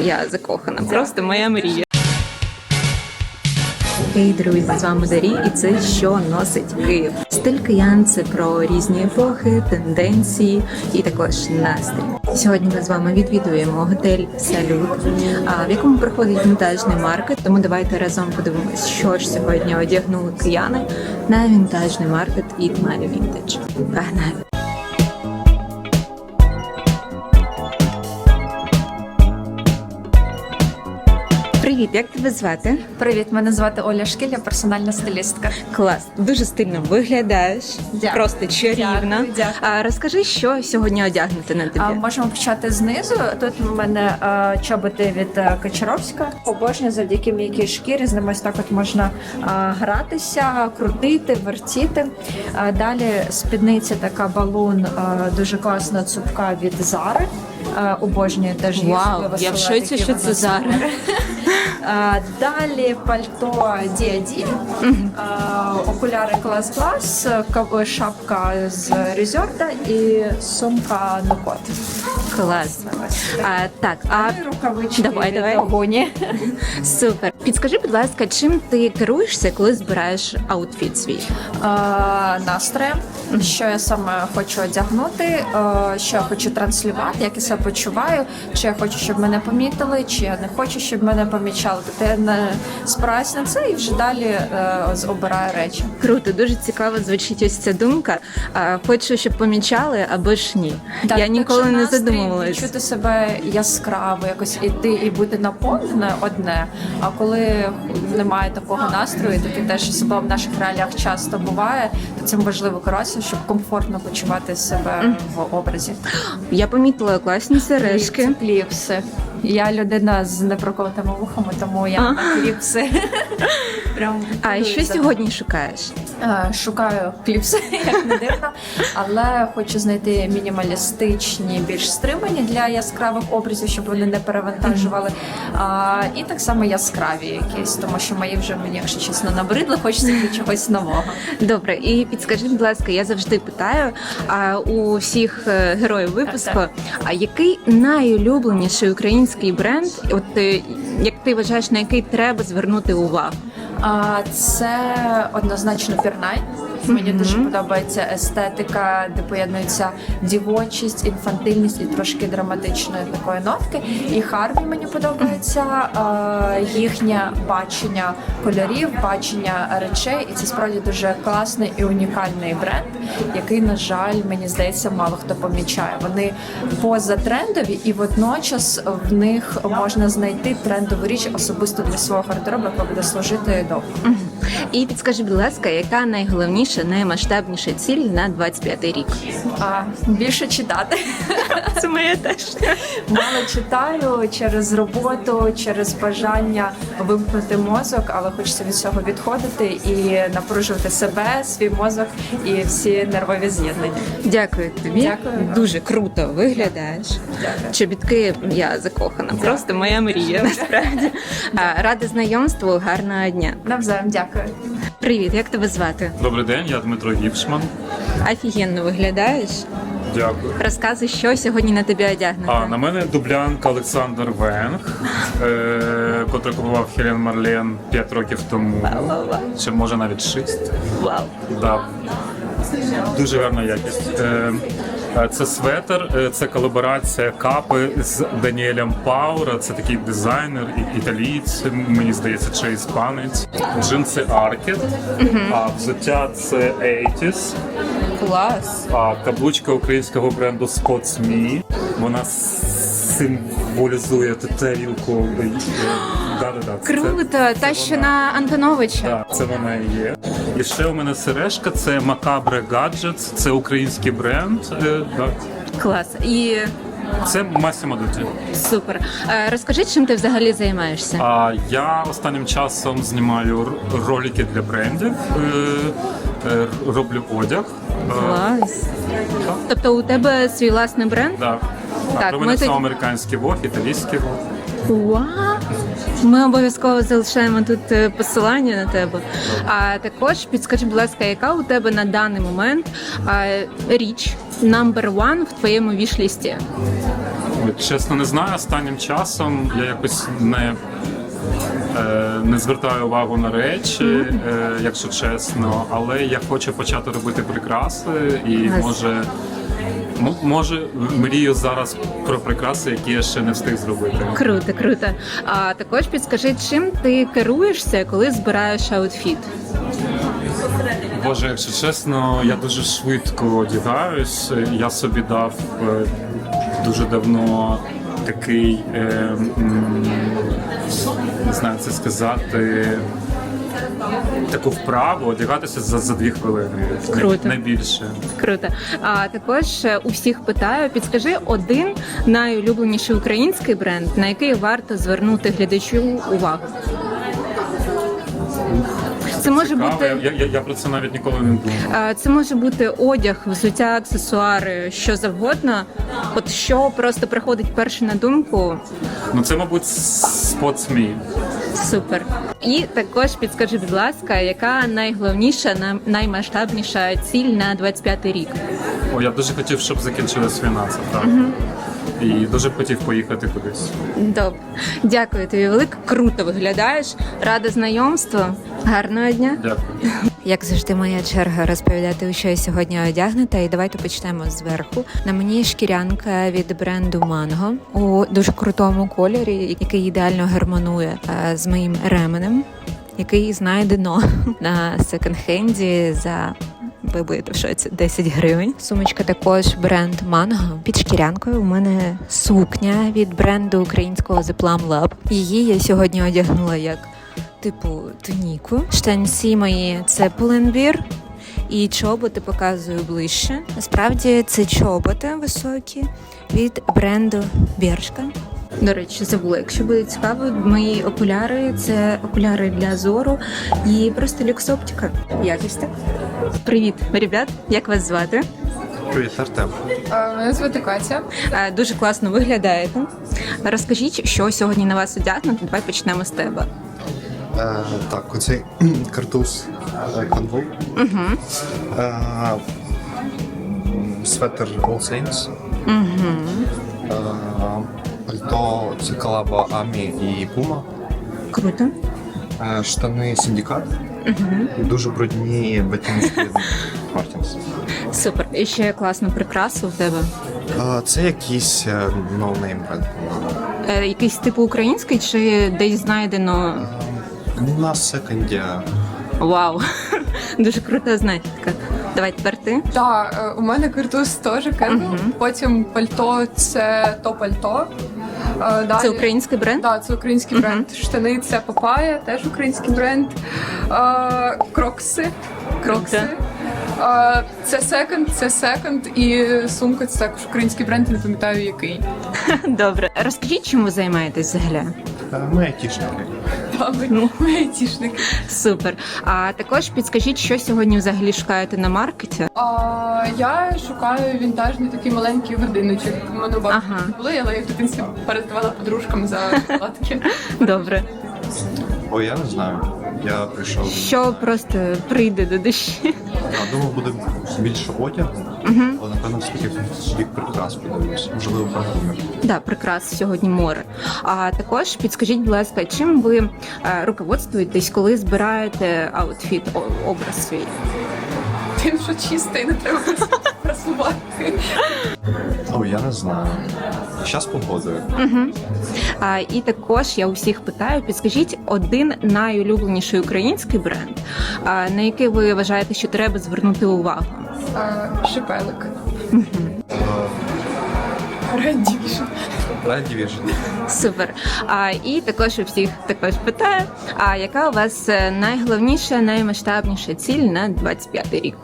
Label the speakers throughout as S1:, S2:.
S1: я закохана. Просто моя мрія. Хей, друзі, з вами Дарі, і це «Що носить Київ». Стиль киян – це про різні епохи, тенденції і також настрій. Сьогодні ми з вами відвідуємо готель «Салют», в якому проходить вінтажний маркет. Тому давайте разом подивимось, що ж сьогодні одягнули кияни на вінтажний маркет Eat My Vintage. Погнали! Привіт, як тебе звати?
S2: Привіт, мене звати Оля Шкіль, я персональна стилістка.
S1: Клас, дуже стильно виглядаєш,
S2: Дякую.
S1: просто чарівно.
S2: Дякую.
S1: Розкажи, що сьогодні одягнути на тобі?
S2: Можемо почати знизу. Тут у мене чоботи від Качаровська. Обожнюю завдяки м'якій шкірі, з ними ось так от можна гратися, крутити, вертіти. Далі спідниця така балун, дуже класна цупка від Зари. Обожнюю теж її.
S1: Вау, я в шоці, що це Зара.
S2: Далі пальто D&D, окуляри клас-клас, шапка з Резорта і сумка Нукот.
S1: Клас. Так,
S2: Рукавички
S1: давай.
S2: Огоні.
S1: Супер. Підскажи, будь ласка, чим ти керуєшся, коли збираєш аутфіт свій?
S2: Настроєм, що я саме хочу одягнути, що я хочу транслювати, як я себе почуваю, чи я хочу, щоб мене помітили, чи я не хочу, щоб мене помічали. Тобто я не спираюсь на це і вже далі обираю речі.
S1: Круто, дуже цікаво звучить ось ця думка. Хочу, щоб помічали, або ж ні.
S2: Так,
S1: я ніколи не задумувалась.
S2: Відчути себе яскраво, якось іти і бути наповненою одне. А коли немає такого настрою, таке теж особливо в наших реаліях часто буває, то цим важливо керуватися, щоб комфортно почувати себе в образі.
S1: Я помітила класні сережки.
S2: Кліпси. Я людина з непроколотими вухами, тому я на кліпси. Прям
S1: А що сьогодні шукаєш?
S2: Шукаю кліпси, як не дивно, але хочу знайти мінімалістичні, більш стримані для яскравих образів, щоб вони не перевантажували. І так само яскраві якісь, тому що мої вже мені, якщо чесно, набридли, хочеться чогось нового.
S1: Добре, і підскажи, будь ласка, я завжди питаю у всіх героїв випуску, а який найулюбленіший український бренд, от як ти вважаєш, на який треба звернути увагу?
S2: Це однозначно Пірнай. Мені дуже подобається естетика, де поєднується дівочість, інфантильність і трошки драматичної такої нотки. І Харві мені подобається їхнє бачення кольорів, бачення речей. І це справді дуже класний і унікальний бренд, який, на жаль, мені здається, мало хто помічає. Вони позатрендові і водночас в них можна знайти трендову річ особисто для свого гардеробу, яка буде служити довго.
S1: І підскажи, будь ласка, яка найголовніша, наймасштабніша ціль на 25-й рік?
S2: Більше читати.
S1: Це моє теж.
S2: Мало читаю через роботу, через бажання вимкнути мозок, але хочеться від цього відходити і напружувати себе, свій мозок і всі нервові з'єднання.
S1: Дякую тобі.
S2: Дякую.
S1: Дуже круто виглядаєш.
S2: Дякую.
S1: Чобітки, я закохана. Просто моя мрія, насправді. Рада знайомству, гарного дня.
S2: Навзаєм, дякую.
S1: Привіт, як тебе звати?
S3: Добрий день, я Дмитро Гіпшман.
S1: Офігенно виглядаєш.
S3: Дякую.
S1: Розказуй, що сьогодні на тобі одягнути.
S3: На мене дублянка Олександр Венг, котрий купував Хелен Марлен 5 років тому, чи може навіть 6.
S1: Вау.
S3: Да. Дуже гарна якість. Це светр, це колаборація капи з Даніелем Паура. Це такий дизайнер, італієць, мені здається, чи іспанець. Джинси Аркет, а взуття це 80's.
S1: Клас.
S3: Каблучка українського бренду Scott's Me. Вона символізує тарілку.
S1: Круто, та що на Антоновича.
S3: Так, це вона і є. І ще у мене сережка, це Macabre Gadgets, це український бренд.
S1: Клас. І
S3: Це Massimo Dutti.
S1: супер. Розкажи, чим ти взагалі займаєшся?
S3: Я останнім часом знімаю ролики для брендів, роблю одяг.
S1: Клас. Тобто у тебе свій власний бренд?
S3: Так.
S1: Так,
S3: Про
S1: ми
S3: мене це
S1: тоді-
S3: американський вог, італійський вог.
S1: Вау! Ми обов'язково залишаємо тут посилання на тебе. А також підскажи, будь ласка, яка у тебе на даний момент річ number one в твоєму віш-лісті?
S3: От, чесно, не знаю. Останнім часом я якось не звертаю увагу на речі, якщо чесно, але я хочу почати робити прикраси і може мрію зараз про прикраси, які я ще не встиг зробити.
S1: Круто, круто. А також підскажи, чим ти керуєшся, коли збираєш аутфіт?
S3: Боже, якщо чесно, я дуже швидко одягаюсь. Я собі дав дуже давно такий, не знаю, це сказати, таку вправу одягатися за 2 хвилини.
S1: Круто.
S3: Не більше.
S1: Круто. А також у всіх питаю, підскажи один найулюбленіший український бренд, на який варто звернути глядачу увагу. Це може бути
S3: Я про це навіть ніколи не думав.
S1: це може бути одяг, взуття, аксесуари, що завгодно. От що просто приходить перше на думку.
S3: Ну це, мабуть, Sports.me.
S1: Супер. І також підскажи, будь ласка, яка найголовніша, наймасштабніша ціль на 25-й рік?
S3: О, я дуже хотів, щоб закінчилась війна, це правда. І дуже б хотів поїхати кудись.
S1: Добре. Дякую тобі велике. Круто виглядаєш. Рада знайомству. Гарного дня.
S3: Дякую.
S1: Як завжди, моя черга розповідати, у що я сьогодні одягнута. І давайте почнемо зверху. На мені шкірянка від бренду Mango у дуже крутому кольорі, який ідеально гармонує з моїм ременем, який знайдено на секонд-хенді за... Ви будете в шоці, 10 гривень. Сумочка також бренд Mango. Під шкірянкою у мене сукня від бренду українського The Plum Lab. Її я сьогодні одягнула як типу туніку. Штанці мої це Pull&Bear. І чоботи показую ближче. Насправді це чоботи високі від бренду Бершка. До речі, забула, якщо буде цікаво, мої окуляри – це окуляри для зору і просто люкс-оптика. Якось так. Привіт, ребят, як вас звати?
S4: Привіт, Артем.
S2: Мене звати Катя.
S1: Дуже класно виглядаєте. Розкажіть, що сьогодні на вас одягнуто. Давай почнемо з тебе.
S4: Так, оцей картуз Convo. Светер All Saints. Пальто це колаба Амі і Пума.
S1: Круто.
S4: Штани Синдикат. І дуже брудні ботиночки Мартінс.
S1: Супер. І ще класну прикрасу в тебе.
S4: Це якийсь ноунейм бренд.
S1: Якийсь типу український чи десь знайдено?
S4: На секонді.
S1: Вау. Дуже крута знахідка. Давай тепер ти.
S2: Так, у мене картуз теж Кенвел. Потім пальто це то пальто. Далі...
S1: Це український бренд?
S2: Так, це український бренд. Штани це Папая, теж український бренд. Крокси. Це секонд і сумка це також український бренд, не пам'ятаю який.
S1: Добре. Розкажіть, чим ви займаєтесь взагалі?
S4: Ми айтішники.
S2: Ми айтішники.
S1: Супер. А також підскажіть, що сьогодні взагалі шукаєте на маркеті?
S2: Я шукаю вінтажний такий маленький годиночок. У мене багато
S1: Ага.
S2: були, але я в дитинстві передавала подружкам за шоколадки.
S1: Добре.
S4: Ой, я не знаю. Я прийшов.
S1: Що просто прийде до душі?
S4: Думав, буде більше одягу, але напевно все-таки бік прикрас подивлюсь. Можливо, парфумер.
S1: Да, прикрас сьогодні море. А також підскажіть, будь ласка, чим ви руководствуєтесь, коли збираєте аутфіт, образ свій?
S2: Тим, що чистий, не треба просувати.
S4: Ой, я не знаю. Щас погодою.
S1: І також я у всіх питаю, підскажіть один найулюбленіший український бренд, на який ви вважаєте, що треба звернути увагу?
S2: Шипелик. Red Division.
S4: Red Division.
S1: Супер. І також у всіх також питаю, яка у вас найголовніша, наймасштабніша ціль на 25-й рік?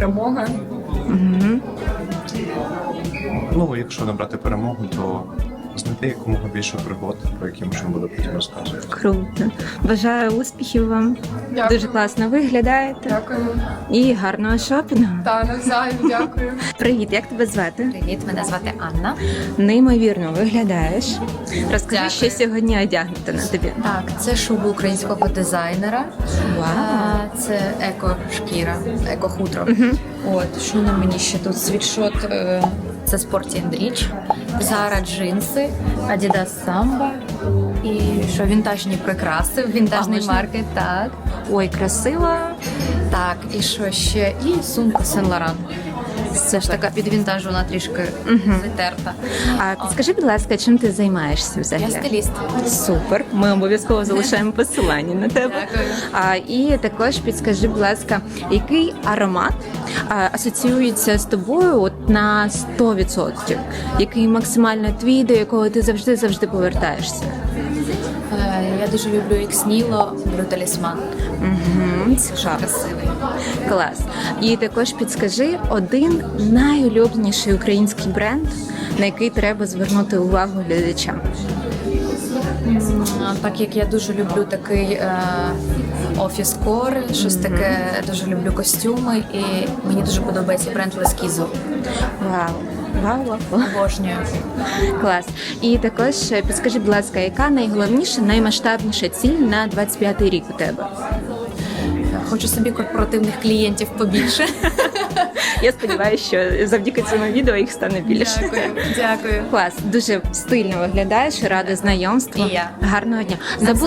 S2: Перемога.
S4: Ну, якщо не брати перемогу, то знайти якомога більше пригод, про які можна буде потім розказувати.
S1: Круто. Бажаю успіхів вам.
S2: Дякую.
S1: Дуже класно виглядаєте.
S2: Дякую.
S1: І гарного шопінгу.
S2: Та навзаєм, дякую.
S1: Привіт, як тебе звати?
S5: Привіт, мене звати Анна.
S1: Неймовірно виглядаєш. Розкажи,
S5: Дякую.
S1: що сьогодні одягнуто на тобі.
S5: Так, це шуба українського дизайнера.
S1: Вау.
S5: Це еко-шкіра, еко-хутро. От, що на мені ще тут? Світшот, це Sporty & Rich, Zara джинси, Adidas Samba і що, вінтажні прикраси, вінтажний
S1: можна?
S5: маркет, так.
S1: Ой, красиво.
S5: Так, і що ще? І сумка Saint Laurent. Це ж така під вінтаж, вона трішки затерта.
S1: А підскажи, будь ласка, чим ти займаєшся взагалі?
S5: Я стиліст.
S1: Супер. Ми обов'язково залишаємо посилання на тебе.
S5: Дякую.
S1: І також підскажи, будь ласка, який аромат асоціюється з тобою от на 100%? Який максимально твій, до якого ти завжди повертаєшся?
S5: Я дуже люблю Ікс Ніло, Бруталісман.
S1: Цікаво.
S5: Красивий.
S1: Клас. І також підскажи один найулюбленіший український бренд, на який треба звернути увагу глядачам.
S5: Так як я дуже люблю такий офіс-кор, щось таке, дуже люблю костюми, і мені дуже подобається бренд Лескізо.
S1: Вау. Вау.
S5: Обожнюю.
S1: Клас. І також підскажи, будь ласка, яка найголовніша, наймасштабніша ціль на 25-й рік у тебе?
S5: Хочу собі корпоративних клієнтів побільше.
S1: Я сподіваюся, що завдяки цьому відео їх стане більше.
S5: Дякую.
S1: Клас, дуже стильно виглядаєш, рада знайомству.
S5: І я.
S1: Гарного дня.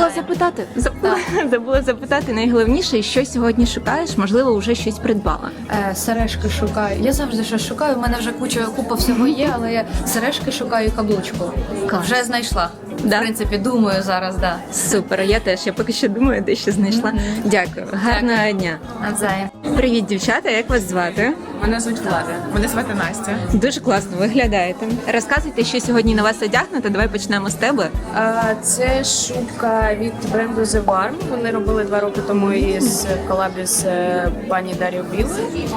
S1: Забула запитати найголовніше, що сьогодні шукаєш, можливо, вже щось придбала.
S5: Сережки шукаю. Я завжди щось шукаю. У мене вже купа всього є, але я сережки шукаю і каблучку.
S1: Клас.
S5: Вже знайшла.
S1: Да?
S5: В принципі, думаю зараз, да.
S1: Супер, я теж. Я поки що думаю, де ще знайшла. Дякую. Гарного дня.
S5: Навзаєм.
S1: Привіт, дівчата, як вас звати?
S6: Мене звуть Влада. Мене звати Настя.
S1: Дуже класно виглядаєте. Розказуйте, що сьогодні на вас одягнуто. Давай почнемо з тебе.
S6: Це шубка від бренду The Warm. Вони робили 2 роки тому із колабі з пані Дар'єю Біл.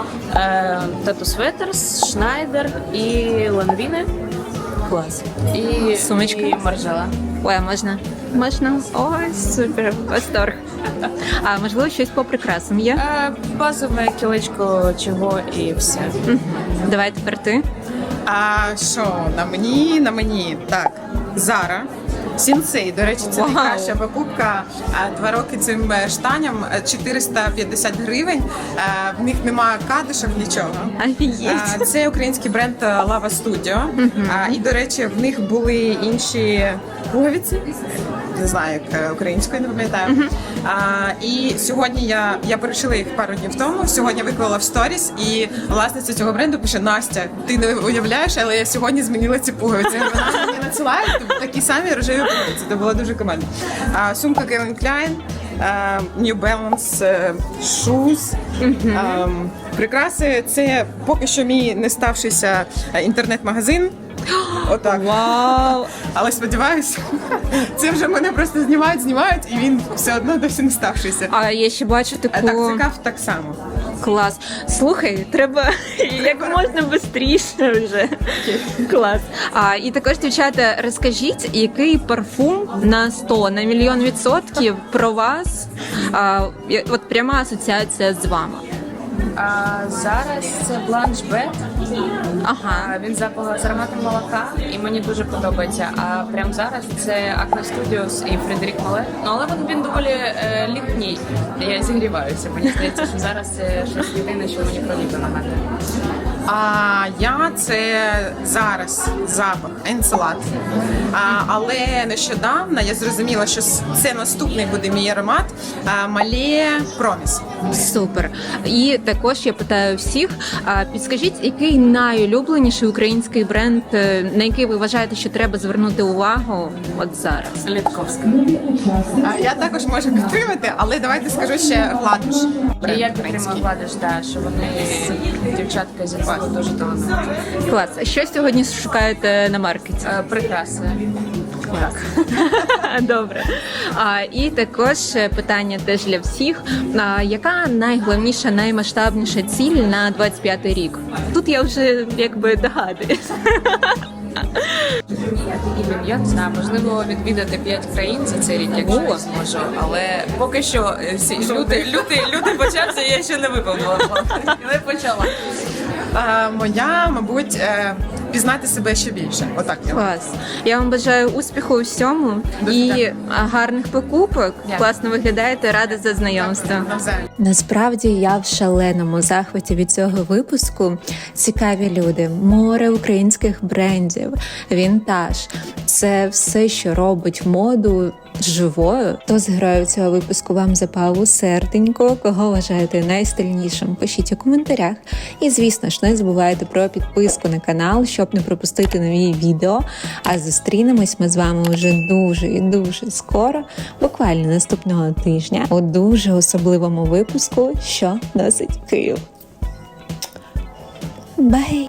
S6: Тату Светерс, Шнайдер і Ланвіне.
S1: Клас.
S6: І
S1: Сумочка?
S6: І Маржела.
S1: Ой, а можна? Можна? Ой, супер, восторг. А можливо, щось по прикрасам є?
S6: Базове кілечко чого і все.
S1: Давай тепер ти.
S7: А що на мені? Так, Zara. Сінсей, до речі, це
S1: Вау.
S7: найкраща покупка. 2 роки цим штаням 450 гривень. В них немає кадушок, нічого.
S1: Офігеть.
S7: Це український бренд Lava Studio. І, до речі, в них були інші пуговиці. Не знаю, як українською, не пам'ятаю. І сьогодні я перешила їх пару днів тому. Сьогодні виклала в сторіс, і власниця цього бренду пише: Настя, ти не уявляєш, але я сьогодні змінила ці пуговиці. Вона мені надсилає такі самі рожеві пуговиці. Це було дуже командно. Сумка Calvin Klein, New Balance Shoes. Прикраси. Це поки що мій не ставшийся інтернет-магазин. Отак.
S1: Вау!
S7: Але сподіваюся, це вже мене просто знімають, і він все одно досі не ставшийся.
S1: А я ще бачу таку...
S7: Так, це каф так само.
S1: Клас. Слухай, треба як можна швидше вже. Клас. І також, дівчата, розкажіть, який парфум на 100, на 1,000,000% про вас? От пряма асоціація з вами.
S6: Зараз це Blanche Bed.
S1: Ага.
S6: Він з ароматом молока, і мені дуже подобається. А прямо зараз це Acne Studios і Фредерік Мале. Ну, але він доволі літній. Я зігріваюся. Мені здається, що зараз це щось єдине, що мені про літо нагадує.
S7: А я це зараз запах Енцелад. Але нещодавно я зрозуміла, що це наступний буде мій аромат Мале Проміс.
S1: Супер. І також я питаю всіх, підскажіть, який найулюбленіший український бренд, на який ви вважаєте, що треба звернути увагу от зараз?
S6: Літковська.
S7: Я також можу підтримати, але давайте скажу ще Гладуш.
S6: І я підтримую Гладиш, що вони дівчатка зі Львова дуже талановиті.
S1: Клас. А що сьогодні шукаєте на маркеті?
S6: Прикраси.
S1: Добре. І також питання теж для всіх. Яка найголовніша, наймасштабніша ціль на 25-й рік? Тут я вже якби догадуюсь.
S6: Я не знаю, можливо, відвідати 5 країн за цей рік, якщо я зможу. Але поки що люди почався, я ще не виповнила план. Але почала.
S7: Моя, мабуть, пізнати себе ще більше. Отак я.
S1: Клас. Я вам бажаю успіху у всьому і гарних покупок. Класно виглядаєте, рада за знайомство.
S7: Навзаєм.
S1: Насправді я в шаленому захваті від цього випуску. Цікаві люди, море українських брендів, вінтаж. Це все, що робить моду живою. Хто з героїв цього випуску вам запав у серденько, кого вважаєте найстильнішим, пишіть у коментарях. І, звісно ж, не забувайте про підписку на канал, щоб не пропустити нові відео. А зустрінемось ми з вами вже дуже і дуже скоро, буквально наступного тижня, у дуже особливому випуску «Що носить Київ». Бай!